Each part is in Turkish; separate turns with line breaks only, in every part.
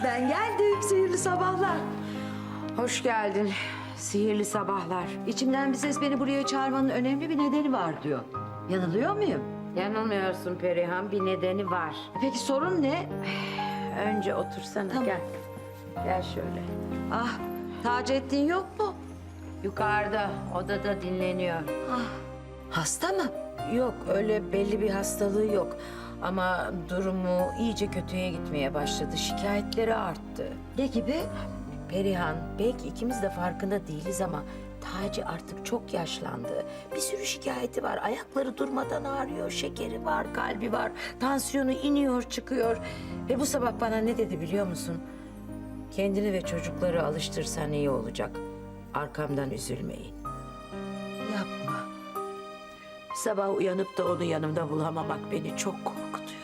Ben geldim, sihirli sabahlar.
Hoş geldin. Sihirli sabahlar.
İçimden bir ses beni buraya çağırmanın önemli bir nedeni var diyor. Yanılıyor muyum?
Yanılmıyorsun Perihan, bir nedeni var.
Peki sorun ne?
Önce otursana,
Tamam.
gel. Gel şöyle.
Ah, Taceddin yok mu?
Yukarıda, odada dinleniyor.
Hasta mı?
Yok, öyle belli bir hastalığı yok. Ama durumu iyice kötüye gitmeye başladı. Şikayetleri arttı.
Ne gibi?
Perihan, belki ikimiz de farkında değiliz ama Taci artık çok yaşlandı. Bir sürü şikayeti var. Ayakları durmadan ağrıyor. Şekeri var, kalbi var. Tansiyonu iniyor, çıkıyor. Ve bu sabah bana ne dedi biliyor musun? Kendini ve çocukları alıştırsan iyi olacak. Arkamdan üzülmeyin.
Yapma.
Sabah uyanıp da onu yanımda bulamamak beni çok korkutuyor.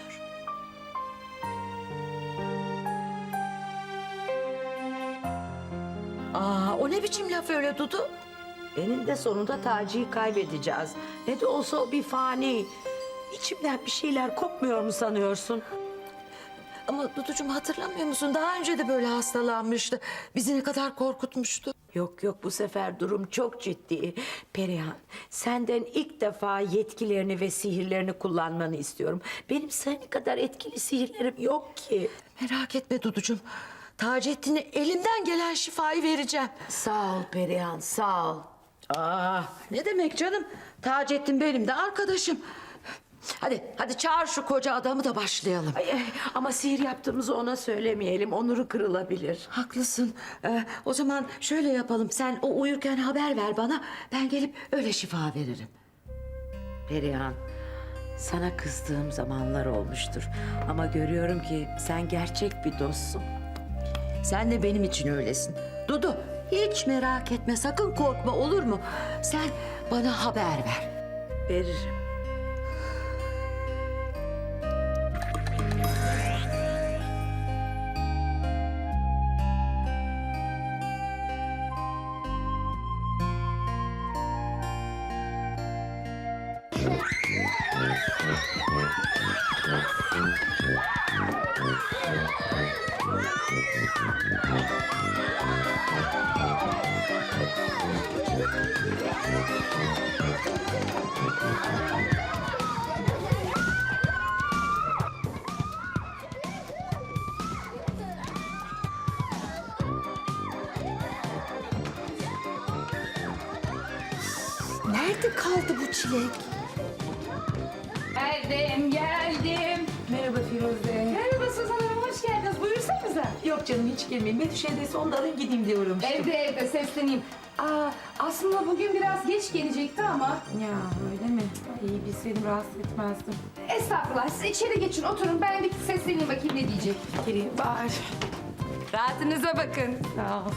O ne biçim laf öyle Dudu?
Eninde sonunda Taci'yi kaybedeceğiz. Ne de olsa o bir fani. İçimden bir şeyler kopmuyor mu sanıyorsun?
Ama Duducuğum hatırlamıyor musun? Daha önce de böyle hastalanmıştı. Bizi ne kadar korkutmuştu.
Yok yok, bu sefer durum çok ciddi. Perihan, senden ilk defa yetkilerini ve sihirlerini kullanmanı istiyorum. Benim senin kadar etkili sihirlerim yok ki.
Merak etme Duducuğum. Taceddin'e elimden gelen şifayı vereceğim.
Sağ ol Perihan, sağ ol.
Ne demek canım? Taceddin benim de arkadaşım. Hadi çağır şu koca adamı da başlayalım.
Ay, ama sihir yaptığımızı ona söylemeyelim, onuru kırılabilir.
Haklısın. O zaman şöyle yapalım. Sen o uyurken haber ver bana. Ben gelip öyle şifa veririm.
Perihan, sana kızdığım zamanlar olmuştur. Ama görüyorum ki sen gerçek bir dostsun.
Sen de benim için öylesin. Dudu, hiç merak etme. Sakın korkma, olur mu? Sen bana haber ver.
Veririm.
Nerede kaldı bu çilek?
Geldim.
Merhaba Firuze.
Merhaba Suzan Hanım, hoş geldiniz. Buyursanıza.
Yok canım hiç girmeyin. Betüş evdeyse onu da alayım gideyim diye uğramıştım.
Evde sesleneyim. Aslında bugün biraz geç gelecekti ama...
Ya öyle mi? İyi bilseydim rahatsız etmezdim.
Estağfurullah, siz içeri geçin, oturun. Ben bir sesleneyim bakayım ne diyecek.
Gireyim bari.
Rahatınıza bakın.
Sağ ol.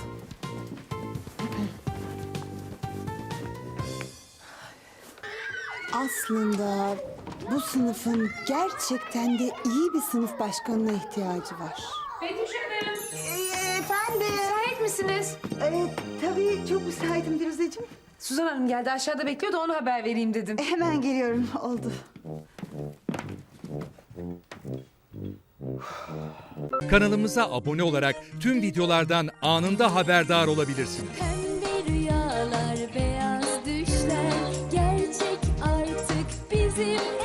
Aslında bu sınıfın gerçekten de iyi bir sınıf başkanına ihtiyacı var.
Betüş Hanım,
Efendim?
müsait misiniz?
Tabii çok müsaitim Firuzeciğim.
Suzan Hanım geldi, aşağıda bekliyor da ona haber vereyim dedim.
Hemen geliyorum, oldu.
Kanalımıza abone olarak tüm videolardan anında haberdar olabilirsiniz.
Pembe rüyalar, beyaz düşler gerçek artık bizim